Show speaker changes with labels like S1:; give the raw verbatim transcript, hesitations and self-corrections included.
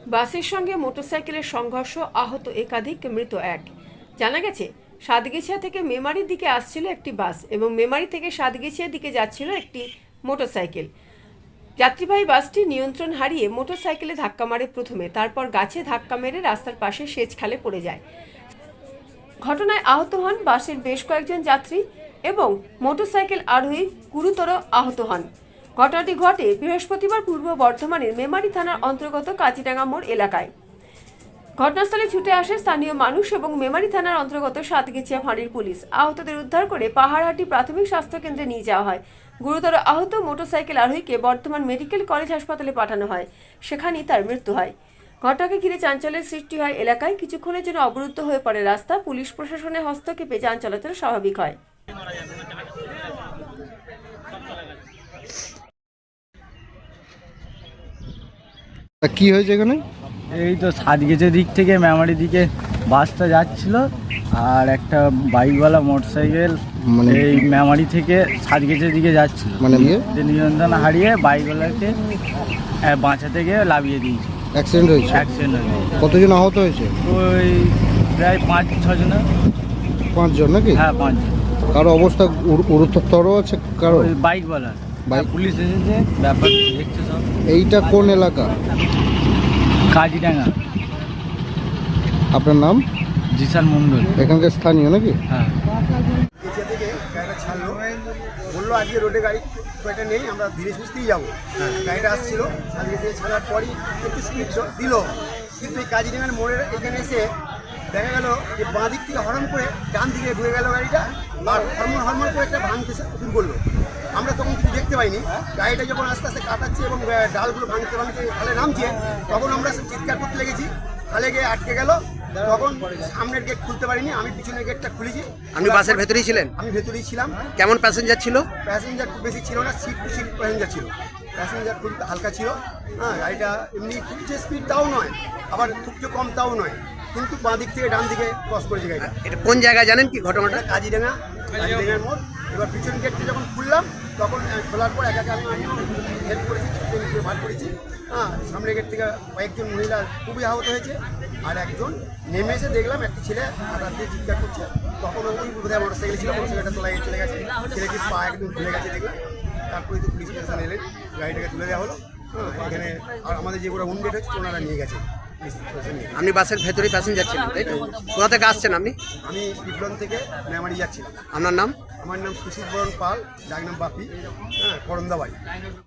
S1: বাসের সঙ্গে মোটরসাইকেলের সংঘর্ষ, আহত একাধিক, মৃত এক। জানা গেছে, সাতগেছিয়া থেকে মেমারির দিকে আসছিল একটি বাস এবং মেমারি থেকে সাতগেছিয়ার দিকে যাচ্ছিল একটি মোটরসাইকেল। যাত্রীবাহী বাসটি নিয়ন্ত্রণ হারিয়ে মোটরসাইকেলে ধাক্কা মারে প্রথমে, তারপর গাছে ধাক্কা মেরে রাস্তার পাশে সেচ খালে পড়ে যায়। ঘটনায় আহত হন বাসের বেশ কয়েকজন যাত্রী এবং মোটরসাইকেল আরোহী গুরুতর আহত হন। ঘটনাটি ঘটে বৃহস্পতিবার পূর্ব বর্ধমানের মেমারি থানার অন্তর্গত কাজিডাঙ্গা মোড় এলাকায়। ঘটনাস্থলে ছুটে আসে স্থানীয় মানুষ এবং মেমারি থানার অন্তর্গত সাতগেছিয়া ফাঁড়ির পুলিশ। আহতদের উদ্ধার করে পাহাড়হাটি প্রাথমিক স্বাস্থ্য কেন্দ্রে নিয়ে যাওয়া হয়। গুরুতর আহত মোটরসাইকেল আরোহীকে বর্ধমান মেডিকেল কলেজ হাসপাতালে পাঠানো হয়, সেখানেই তার মৃত্যু হয়। ঘটনাকে ঘিরে চাঞ্চল্যের সৃষ্টি হয় এলাকায়। কিছুক্ষণের জন্য অবরুদ্ধ হয়ে পড়ে রাস্তা। পুলিশ প্রশাসনের হস্তক্ষেপে যান চলাচল স্বাভাবিক হয়।
S2: কি হয়েছে এখানে?
S3: এই তো সাতগেছিয়া দিক থেকে মেমারি দিকে বাসটা যাচ্ছিল, আর একটা বাইকওয়ালা মোটরসাইকেল
S2: মানে
S3: এই মেমারি থেকে সাতগেছিয়ার দিকে যাচ্ছিল,
S2: মানে ইয়ে
S3: যে নিয়ন্ত্রণ হারিয়ে বাইকওয়ালাকে আহ, বাঁচাতে গিয়ে লাভিয়ে দিয়েছে।
S2: অ্যাক্সিডেন্ট হয়েছে?
S3: অ্যাক্সিডেন্ট হয়েছে।
S2: কতজন আহত হয়েছে?
S3: ওই প্রায় পাঁচ ছজন।
S2: পাঁচজন নাকি?
S3: হ্যাঁ, পাঁচজন।
S2: কারো অবস্থা গুরু- গুরুতর আছে কারো?
S3: ওই বাইকওয়ালা
S2: বাইক-
S3: পুলিশ এসেছে, ব্যাপার দেখছে সব।
S2: এইটা কোন এলাকা?
S3: কাজিডাঙ্গা।
S2: আপনার নাম?
S3: জিসান মন্ডল।
S2: এখানকার স্থানীয় নাকি?
S3: হ্যাঁ।
S4: এখান থেকে গাড়িটা ছাড়লো, বললো আজকে রোডে গাড়ি খুব একটা নেই, আমরা ধীরে সুস্থেই যাবো। গাড়িটা আসছিল, আজকে থেকে ছাড়ার পরই একটু স্পিড দিল, কিন্তু এই কাজিডাঙ্গার মোড়ের এখানে এসে দেখা গেল যে বাঁ দিক থেকে হরন করে ডান দিকে ঢুকে গেল গাড়িটা, আর হরমোন হরমোন করে একটা ভাঙতে শুরু করলো। আমরা তখন কিছু দেখতে পাইনি। গাড়িটা যখন আস্তে আস্তে কাটাচ্ছে এবং ডালগুলো ভাঙতে ভাঙতে খালে নামছে, তখন আমরা সব চিৎকার করতে লেগেছি। খালে গিয়ে আটকে গেল, তখন সামনের গেট খুলতে পারিনি, আমি পিছনের গেটটা খুলেছি।
S5: আপনি বাসের ভেতরেই ছিলেন?
S4: আমি ভেতরেই ছিলাম।
S5: কেমন প্যাসেঞ্জার ছিল?
S4: প্যাসেঞ্জার খুব বেশি ছিল না, সিট টু সিট প্যাসেঞ্জার ছিল। প্যাসেঞ্জার খুব হালকা ছিল। হ্যাঁ, গাড়িটা এমনি খুব যে স্পিড তাও নয়, আবার খুব যে কম তাও নয়, কিন্তু বাঁ দিক থেকে ডান দিকে ক্রস করেছে গাড়িটা।
S5: এটা কোন জায়গায় জানেন কি ঘটনাটা?
S4: কাজিডাঙ্গা, কাজিডাঙ্গার মোড়। এবার পিছন গেটটা যখন খুললাম, তখন খোলার পর একা একা আমি হেল্প করেছি, বার করেছি। হ্যাঁ, সামনের গেট থেকে কয়েকজন মহিলা খুবই আহত হয়েছে, আর একজন নেমে এসে দেখলাম একটা ছেলে হাতার দিয়ে চিৎকার করছে। তখন ওই বোধহয় মোটর সাইকেল ছিল, মোটর সাইকেলটা তোলা চলে গেছে, ছেলেটির পা একদম ভুলে গেছে দেখলাম। তারপরে তো পুলিশ স্টেশন এলেন, গাড়িটাকে তুলে দেওয়া হলো। হ্যাঁ, এখানে আর আমাদের যেগুলো উন্ডেট হচ্ছে ওনারা নিয়ে গেছে।
S5: আপনি বাসের ভেতরেই প্যাসেঞ্জার ছিলেন, তাই তো? কোথা থেকে আসছেন আপনি?
S4: আমি বিপ্লব থেকে মেমারি যাচ্ছিলাম।
S5: আপনার নাম?
S4: আমার নাম সুশীল বরণ পাল, ডাক নাম বাপি। হ্যাঁ, করন্দাবাড়ি।